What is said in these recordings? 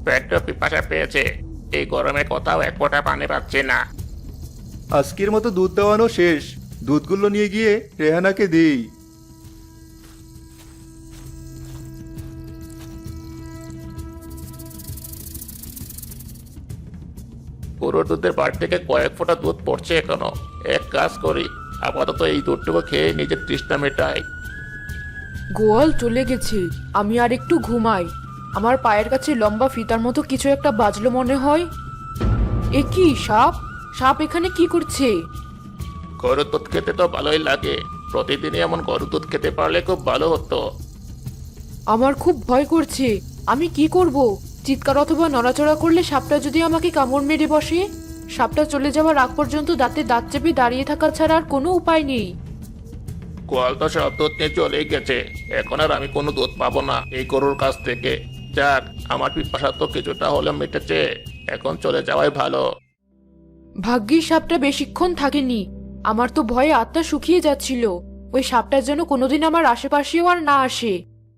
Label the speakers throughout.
Speaker 1: পেটটা পিপাসা পেয়েছে। এই গরমে কোথাও এক ফোঁটা পানি পাচ্ছি না।
Speaker 2: আজকের মতো দুধ দেওয়ানো শেষ। দুধগুলো নিয়ে গিয়ে রেহানাকে দিই।
Speaker 1: গরুর দুধের বাড়ি থেকে কয়েক ফোঁটা দুধ পড়ছে এখনো। এক কাজ করি, আপাতত এই দুধটুকু খেয়ে নিজের তৃষ্ণা মেটাই।
Speaker 3: গোয়াল চলে গেছে, আমি আর একটু ঘুমাই। আমার পায়ের কাছে লম্বা ফিতার মতো কিছু একটা বাজলো মনে হয়। এ কি সাপ? সাপ এখানে কি করছে?
Speaker 1: গরুর দুধ খেতে তো ভালোই লাগে। প্রতিদিনই এমন গরুর দুধ খেতে পারলে খুব ভালো হতো।
Speaker 3: আমার খুব ভয় করছে। আমি কি করব? চিৎকার অথবা নড়াচড়া করলে সাপটা যদি আমাকে কামড় মেরে বসে? সাপটা চলে যাওয়ার আগ পর্যন্ত দাঁতে দাঁত চেপে দাঁড়িয়ে থাকা ছাড়া আর কোনো উপায় নেই।
Speaker 1: গোয়াল তো সব দুধ নিয়ে চলেই গেছে। এখন আর আমি কোনো দুধ পাবো না এই গরুর কাছ থেকে। যাক, আমার পিপাসা তো কিছুটা হলেও মিটেছে। এখন চলে যাওয়াই ভালো।
Speaker 3: ভাগ্যিস সাপটা বেশিক্ষণ থাকেনি। আমার তো ভয়ে আত্মা শুকিয়ে যাচ্ছিল। ওই সাপটা যেন কোনোদিন আমার আশেপাশেও আর না আসে।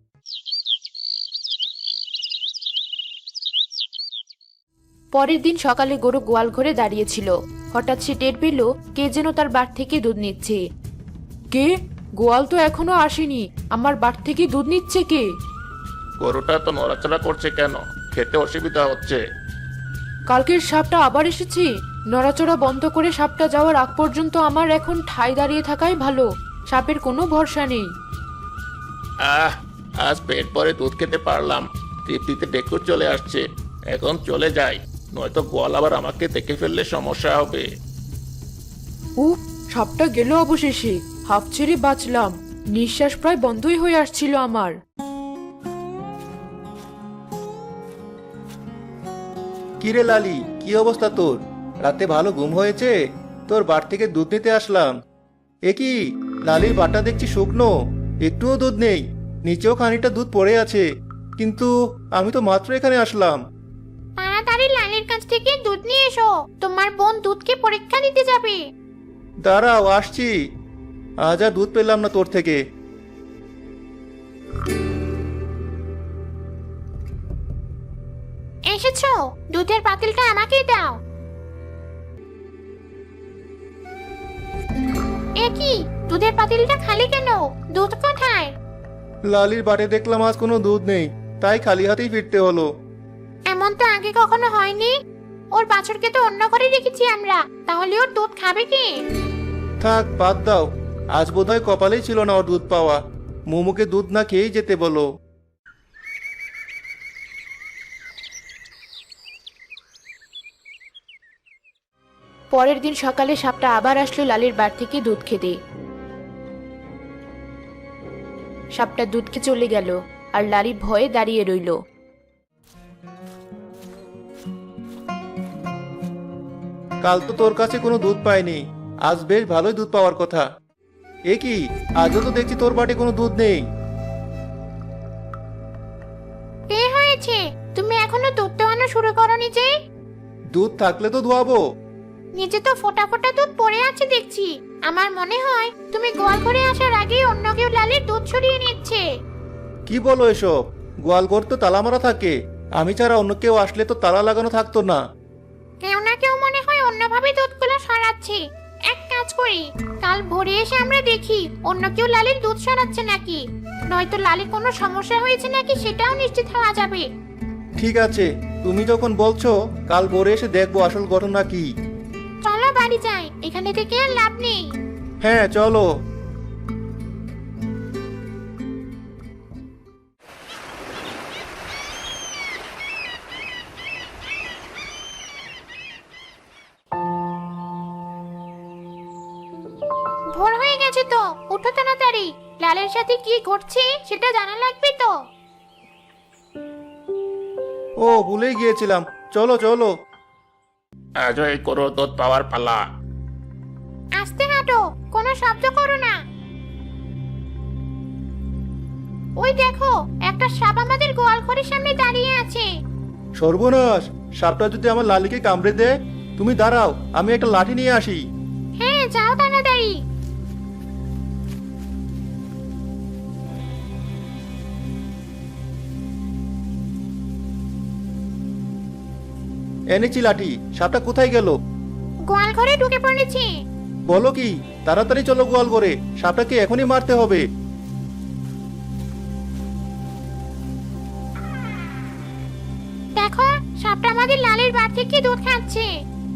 Speaker 3: পরের দিন সকালে গরু গোয়াল ঘরে দাঁড়িয়েছিল। হঠাৎ সে টের পেল কে যেন তার বাট থেকে দুধ নিচ্ছে। কে? গোয়াল তো এখনো আসেনি, আমার বাট থেকে দুধ নিচ্ছে কে?
Speaker 1: গরুটা তো নড়াচড়া করছে কেন? খেতে অসুবিধা হচ্ছে।
Speaker 3: কালকের সাপটা আবার এসেছে। নড়াচড়া বন্ধ করে সাপটা যাওয়ার আগ পর্যন্ত আমার এখন ঠাই দাঁড়িয়ে থাকাই ভালো। সাপের কোনো ভরসা নেই।
Speaker 1: আহ, আজ পেট ভরে দুধ খেতে পারলাম। তৃপ্তিতে ডেকুর চলে আসছে। এখন চলে যাই, নয়তো গোয়াল আবার আমাকে দেখে ফেললে সমস্যা হবে।
Speaker 3: উফ, সাপটা গেল অবশেষে। হাঁফ ছেড়ে বাঁচলাম। নিঃশ্বাস প্রায় বন্ধই হয়ে আসছিল আমার।
Speaker 2: কিরে লালি, কি অবস্থা তোর? রাতে ভালো ঘুম হয়েছে? তোর বাট থেকে দুধ নিতে আসলাম। এ কি, লালির বাটা দেখছি শুকনো, একটুও দুধ নেই। নিচেও খানিকটা দুধ পড়ে আছে, কিন্তু আমি তো মাত্র এখানে আসলাম।
Speaker 4: তাড়াতাড়ি লালের কাছ থেকে দুধ নিয়ে এসো, তোমার বোন দুধকে পরীক্ষা দিতে যাবে।
Speaker 2: দাঁড়াও, আসছি। আজ আর দুধ পেলাম না তোর থেকে।
Speaker 4: এসেছো, দুধের পাতিলটা আমাকেই দাও। এ কি, দুধের পাতিলটা খালি কেন? দুধ কোথায়?
Speaker 2: লালির বাটে দেখলাম আজ কোনো দুধ নেই, তাই খালি হাতেই ফিরতে হলো।
Speaker 4: এমন তো আগে কখনো হয়নি। ওর বাছুরকে তো অন্য ঘরে রেখেছি আমরা, তাহলে ওর দুধ খাবে কি?
Speaker 2: থাক, বাদ দাও। আজ বোধহয় কপালেই ছিল না ওর দুধ পাওয়া। মোমোকে দুধ না খেয়েই যেতে বলো।
Speaker 3: পরের দিন সকালে সাপটা আবার আসলো লালির বাট থেকে দুধ খেতে। সাপটা দুধ খেয়ে চলে গেল, আর লালি ভয়ে দাঁড়িয়ে রইল।
Speaker 2: কাল তো তোর কাছে কোনো দুধ পাইনি, আজ বেশ ভালোই দুধ পাওয়ার কথা। এ কি, আজও তো দেখছি তোর বাটে কোনো দুধ নেই।
Speaker 4: কি হয়েছে? তুমি এখনো দুধ দোয়ানো শুরু করনি যে?
Speaker 2: দুধ থাকলে তো ধোয়াবো।
Speaker 4: নিচে তো ফোঁটা ফোঁটা দুধ পড়ে আছে দেখছি। আমার মনে হয় তুমি গোয়াল ঘরে আসার আগেই অন্য কেউ লালের দুধ সরিয়ে নিচ্ছে।
Speaker 2: কি বলো এসব? গোয়ালঘর তো তালা মারা থাকে, আমি ছাড়া অন্য কেউ আসলে তো তালা লাগানো থাকতো না।
Speaker 4: কেউ না কেউ মনে হয় অন্যভাবে দুধগুলো সরাচ্ছে। এক কাজ করি, কাল ভোরে এসে আমরা দেখি অন্য কেউ লালির দুধ সরাচ্ছে নাকি। নয়তো লালির কোনো সমস্যা হয়েছে নাকি সেটাও নিশ্চিত হওয়া যাবে।
Speaker 2: ঠিক আছে, তুমি যখন বলছো, কাল ভোরে এসে দেখবো আসল ঘটনা কি।
Speaker 4: চলো বাড়ি যাই, এখানে থেকে আর লাভ নেই।
Speaker 2: হ্যাঁ, চলো।
Speaker 4: ভোর হয়ে গেছে তো, উঠো তাড়াতাড়ি। লালের সাথে কি ঘটছে সেটা জানা লাগবে তো।
Speaker 2: ও, ভুলেই গিয়েছিলাম। চলো চলো।
Speaker 1: আজও এই গরুর দুধ পাওয়ার পালা।
Speaker 4: আস্তে হাঁটো, কোনো শব্দ করো না। ওই দেখো, একটা সাপ আমাদের গোয়াল ঘরের সামনে দাঁড়িয়ে আছে।
Speaker 2: সর্বনাশ, সাপটা যদি আমার লালিকে কামড়ে দেয়! তুমি দাঁড়াও, আমি একটা লাঠি নিয়ে আসি।
Speaker 4: হ্যাঁ, যাও তাড়াতাড়ি।
Speaker 2: এনেছি লাঠি, সাপটা কোথায় গেল?
Speaker 4: গোয়াল ঘরে ঢুকে পড়েছি।
Speaker 2: বলো কি? তাড়াতাড়ি চলো গোয়াল ঘরে, সাপটাকে এখনই মারতে হবে।
Speaker 4: দেখো, সাপটা আমাদের লালির বাড়ি থেকে দুধ খাচ্ছে।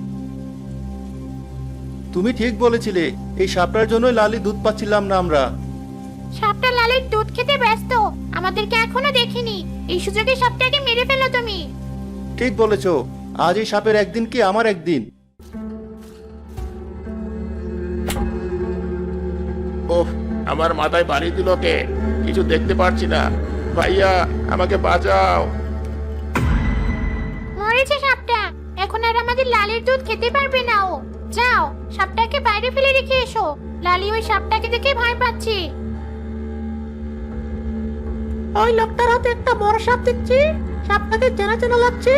Speaker 2: তুমি ঠিক বলেছিলে, এই সাপটার জন্যই লালি দুধ পাচ্ছিলাম না আমরা।
Speaker 4: সাপটা লালির দুধ খেতে ব্যস্ত, আমাদেরকে এখনো দেখিনি। এই সুযোগে সাপটাকে মেরে ফেলো তুমি।
Speaker 2: ঠিক বলেছো, আজ এই সাপের একদিন কি আমার একদিন।
Speaker 1: ওহ, আমার মাথায় বাড়ি দিল কে? কিছু দেখতে পারছি না। ভাইয়া, আমাকে বাঁচাও।
Speaker 4: মরেছে সাপটা, এখন আর আমাদের লালির দুধ খেতে পারবে না ও। যাও, সাপটাকে বাইরে ফেলে রেখে এসো। লালি ওই সাপটাকে দেখে ভয় পাচ্ছে। ওই লোকটার হাতে একটা বড় সাপ দেখছি, সাপটাকে চেনা চেনা লাগছে।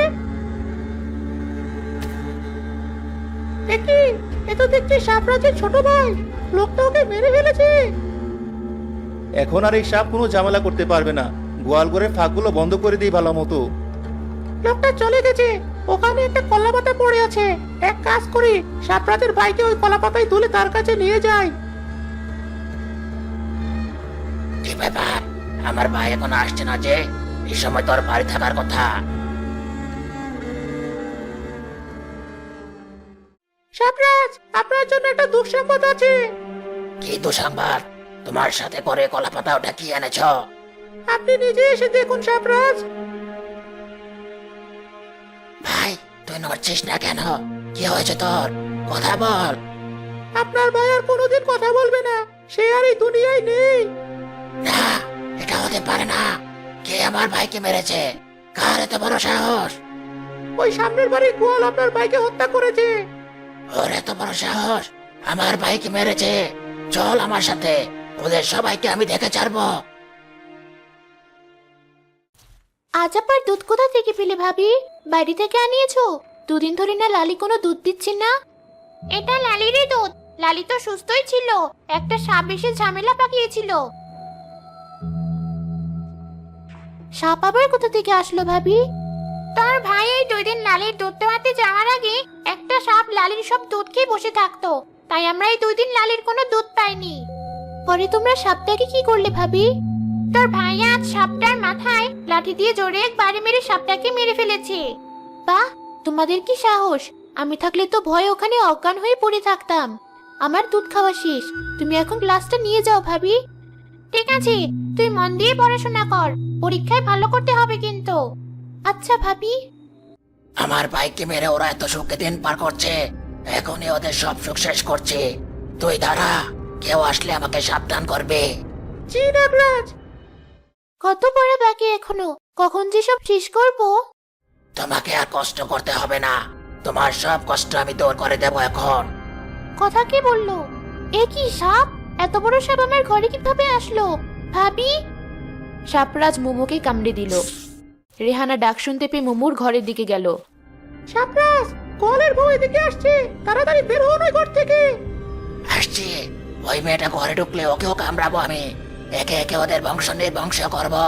Speaker 4: দেখি, এ তো দেখছি সাপরাজের ছোট ভাই। লোকটা ওকে মেরে ফেলেছে।
Speaker 2: এখন আর এই সাপ কোনো ঝামেলা করতে পারবে না। গোয়াল ঘরের ফাঁকগুলো বন্ধ করে দিই ভালো মতো।
Speaker 4: লোকটা চলে গেছে, ওখানে একটা কলা পাতা পড়ে আছে। এক কাজ করি, সাপরাজের ভাইকে ওই কলা পাতায় তুলে তার কাছে নিয়ে যাই।
Speaker 5: কি ব্যাপার, আমার ভাই এখন আসছে না যে? এই সময় তোর বাড়ি থাকার কথা।
Speaker 4: সাপরাজ, আপনার জন্য একটা দুঃসংবাদ আছে।
Speaker 5: কি দুঃসংবাদ? তোমার সাথে করে কলা পাতা ওটা কি এনেছ?
Speaker 4: আপনি নিজে এসে দেখুন সাপরাজ।
Speaker 5: ভাই, তুই নড়ছিস না কেন? কি হয়েছে তোর? কথা বল।
Speaker 4: আপনার ভাই আর কোনোদিন কথা বলবে না, সে আর এই দুনিয়ায় নেই।
Speaker 5: না, এটা হতে পারে না। কে আমার ভাইকে মেরেছে? কার এত বড় সাহস?
Speaker 4: ওই সামনের বাড়ির গোয়াল আপনার ভাইকে হত্যা করেছে।
Speaker 5: ওর এত বড় সাহস আমার ভাইকে মেরেছে? চল আমার সাথে, ওদের সবাইকে আমি দেখে ছাড়বো।
Speaker 4: আজ আবার দুধ কোথা থেকে পেলে ভাবি? বাড়ি থেকে আনিয়েছো? দুদিন ধরে না লালি কোনো দুধ দিচ্ছে না। এটা লালিরই দুধ। লালি তো সুস্থই ছিল, একটা সাপ এসে ঝামেলা পাকিয়েছিল। সাপ আবার কোথা থেকে আসলো ভাবি? তোর ভাই এই 2 দিন লালির দুধ দেওয়াতে যাওয়ার আগে একটা সাপ লালির সব দুধ খেয়ে বসে থাকতো, তাই আমরা এই 2 দিন লালির কোনো দুধ পাইনি। পরে তোমরা সাপটাকে কি করলে ভাবি? তোর ভাই আজ সাপটার মাথায় লাঠি দিয়ে জোরে একবারে মেরে সাপটাকে মেরে ফেলেছে। বাহ, তোমাদের কি সাহস! আমি থাকলে তো ভয়ে ওখানে অজ্ঞান হয়ে পড়ে থাকতাম। আমার দুধ খাওয়া শেষ, তুমি এখন গ্লাসটা নিয়ে যাও ভাবি। ঠিক আছে, তুই মন দিয়ে পড়াশোনা কর, পরীক্ষায় ভালো করতে হবে কিন্তু। আচ্ছা ভাবি।
Speaker 5: আমার ভাইকে মেরে ওরা এত সুখে দিন পার করছে, এখনই ওদের সব সুখ শেষ করছে। তুই দাঁড়া, কেউ আসলে আমাকে সাবধান করবে।
Speaker 4: জি নাগরাজ। কত পড়া বাকি এখনো, কখন যে সব শেষ করব?
Speaker 5: তোমাকে আর কষ্ট করতে হবে না, তোমার সব কষ্ট আমি দূর করে দেব এখন।
Speaker 4: কথা কি বললো? এ কি সাপ? এত বড় সাপ আমার ঘরে কিভাবে আসলো ভাবি?
Speaker 3: সাপরাজ মোমোকে কামড়ে দিল। রেহানা ডাক শুনতে পেয়ে মোমোর ঘরের দিকে গেল।
Speaker 4: সাপরাজ, কলের বউ এদিকে আসছে, তাড়াতাড়ি বের হও না ঘর থেকে।
Speaker 5: আসছি, ওই মেয়েটা ঘরে ঢুকলে ওকেও কামড়াবো আমি। একে একে ওদের বংশ নির্বংশ করবো।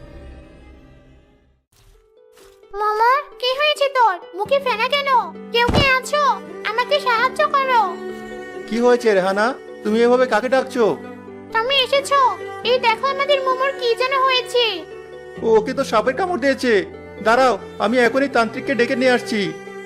Speaker 4: মামা, কি হয়েছে তোর? মুখে ফেনা কেন? কেউ কে আছো? আমাকে সাহায্য করো।
Speaker 2: কি হয়েছে রেহানা? তুমি এভাবে কাকে ডাকছো?
Speaker 4: তুমি এসেছো? এই দেখো আমাদের মোমোর কি যেন হয়েছে।
Speaker 2: ওকে তো সাপের কামড় দিয়েছে। দাঁড়াও, আমি এখনই তান্ত্রিককে ডেকে নিয়ে আসছি।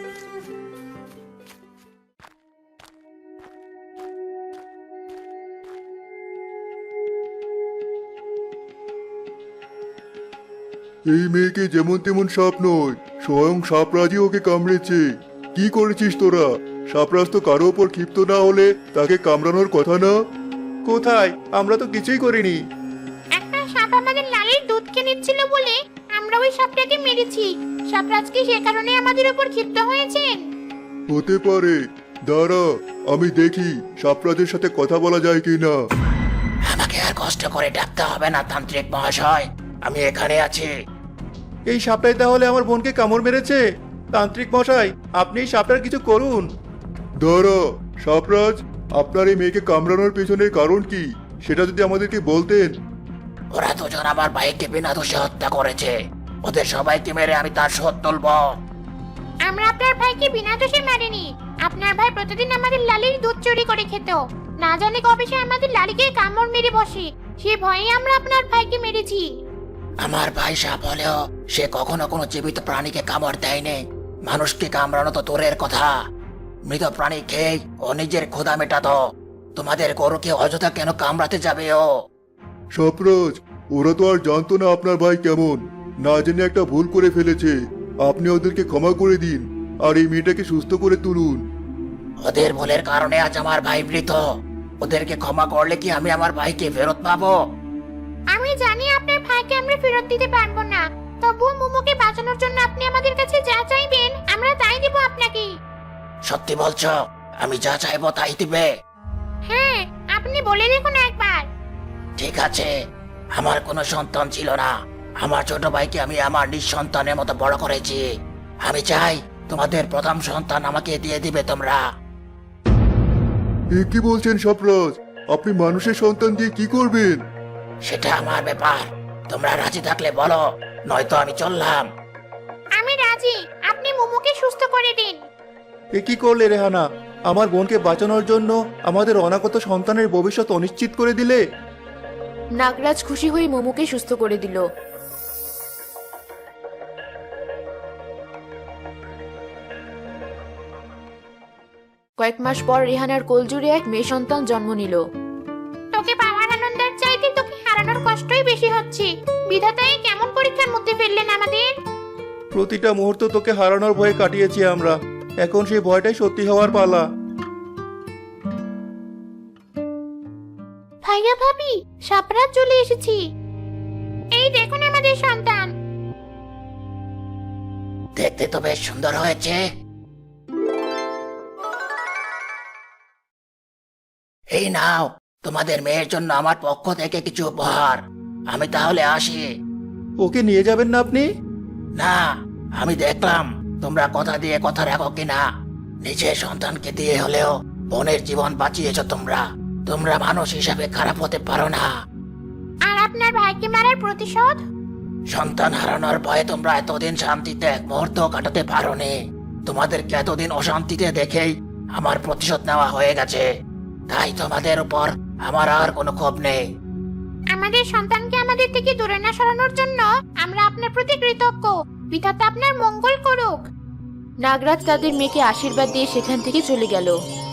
Speaker 6: এই মেয়েকে যেমন তেমন সাপ নয়, স্বয়ং সাপরাজই ওকে কামড়েছে। কি করেছিস তোরা? সাপরাজ তো কারো ওপর ক্ষিপ্ত না হলে তাকে কামড়ানোর কথা না?
Speaker 2: কোথায়? আমরা তো কিছুই করিনি।
Speaker 4: একটা সাপ আমাদের লালির দুধ খেয়ে নিচ্ছিল বলে আমরা ওই সাপটাকে মেরেছি। সাপরাজ কি সে কারণে আমাদের উপর ক্ষিপ্ত হয়েছেন?
Speaker 6: হতে পারে। দাঁড়া, আমি দেখি সাপরাজের সাথে কথা বলা যায় কিনা।
Speaker 5: আমাকে আর কষ্ট করে ডাকতে হবে না তান্ত্রিক মহাশয়, আমি এখানে আছি।
Speaker 2: এই সাপটাই তাহলে আমার বোনকে কামড় মেরেছে? তান্ত্রিক মশাই, আপনি এই সাপটার কিছু করুন।
Speaker 6: দাঁড়া, সাপরাজ, আপনার এই মেয়েকে কামড়ানোর পেছনের কারণ কি সেটা যদি আমাদেরকে বলতেন।
Speaker 5: ওরা দুজন আমার ভাইকে বিনা দোষে হত্যা করেছে, ওদের সবাইকে মেরে আমি তার শোধ তুলব।
Speaker 4: আমরা আপনার ভাইকে বিনা দোষে মারিনি। আপনার ভাই প্রতিদিন আমাদের লালির দুধ চুরি করে খেত। না জানি কবে সে আমাদের লালিকে কামড় মেরে বসে। সে ভয়ে আমরা আপনার ভাইকে মেরেছি।
Speaker 5: আমার ভাই সাপ হলেও সে কখনো কোনো জীবিত প্রাণীকে কামড় দেয়নি। মানুষকে কামড়ানো তো দূরের কথা, মৃত প্রাণী খেয়ে ও নিজের ক্ষুধা মেটাতো। তোমাদের গরুকে অযথা কেন কামড়াতে যাবে ও?
Speaker 6: সাপরাজ, ওরা তো আর জানতো না আপনার ভাই কেমন। না জেনে একটা ভুল করে ফেলেছে। আপনি ওদেরকে ক্ষমা করে দিন আর এই মেয়েটাকে সুস্থ করে তুলুন।
Speaker 5: ওদের ভুলের কারণে আজ আমার ভাই মৃত। ওদেরকে ক্ষমা করলে কি আমি আমার ভাইকে ফেরত পাবো?
Speaker 4: আমি জানি আপনার ভাইকে আমরা ফেরত দিতে পারবো না, তবুও মোমোকে বাঁচানোর জন্য আপনি আমাদের কাছে যা চাইবেন আমরা তাই দেব আপনাকে।
Speaker 5: সত্যি বলছো? আমি যা চাইবো তাই দিবে?
Speaker 4: হ্যাঁ, আপনি বলে দেখুন একবার।
Speaker 5: ঠিক আছে। আমার কোনো সন্তান ছিল না। আমার ছোট ভাইকে আমি আমার নিঃসন্তানের মতো বড় করেছি। আমি চাই তোমাদের প্রথম সন্তান আমাকে দিয়ে দিবে তোমরা।
Speaker 6: এ কি বলছেন সাপরাজ? আপনি মানুষের সন্তান দিয়ে কি করবেন?
Speaker 5: সেটা আমার ব্যাপার। তোমরা রাজি থাকলে বলো, নয়তো আমি চললাম।
Speaker 4: আমি রাজি, আপনি মোমোকে সুস্থ করে দিন।
Speaker 2: এ কি করলে রেহানা? আমার বোনকে বাঁচানোর জন্য আমাদের অনাগত সন্তানের ভবিষ্যৎ অনিশ্চিত করে দিলে।
Speaker 3: নাগরাজ খুশি হয়ে মোমোকে সুস্থ করে দিল। কয়েক মাস পর রেহানার কোলজুড়ে এক মেয়ে সন্তান জন্ম নিল।
Speaker 4: তোকে পাওয়ার আনন্দের চাইতে তোকে হারানোর কষ্টই বেশি হচ্ছে। বিধাতাই কেমন পরীক্ষার মধ্যে ফেললেন আমাদের।
Speaker 2: প্রতিটা মুহূর্ত তোকে হারানোর ভয়ে কাটিয়েছি আমরা। এখন সেই ভয়টাই সত্যি হওয়ার পালা।
Speaker 4: ভাইয়া ভাবি, সাপরাত চলে এসেছি। এই দেখুন আমাদের সন্তান।
Speaker 5: দেখতে তো বেশ সুন্দর হয়েছে। এই নাও, তোমাদের মেয়ের জন্য আমার পক্ষ থেকে কিছু উপহার। আমি তাহলে আসি।
Speaker 2: ওকে নিয়ে যাবেন না আপনি?
Speaker 5: না, আমি দেখলাম তোমরা কথা দিয়ে কথা রাখো কিনা। নিজের সন্তানকে দিয়ে হলেও বোনের জীবন বাঁচিয়েছ তোমরা। তোমরা মানুষ হিসাবে খারাপ হতে পারো না।
Speaker 4: আর আপনার ভাইকে মারার প্রতিশোধ?
Speaker 5: সন্তান হারানোর ভয়ে তোমরা এতদিন শান্তিতে এক মুহূর্ত কাটাতে পারোনি। তোমাদেরকে এতদিন অশান্তিতে দেখেই আমার প্রতিশোধ নেওয়া হয়ে গেছে। তাই তোমাদের উপর আমার আর কোনো ক্ষোভ নেই।
Speaker 4: আমাদের সন্তানকে আমাদের থেকে দূরে না সরানোর জন্য আমরা আপনার প্রতি কৃতজ্ঞ। বিধাতা আপনার মঙ্গল করুক।
Speaker 3: নাগরাজ তাদের মেয়েকে আশীর্বাদ দিয়ে সেখান থেকে চলে গেল।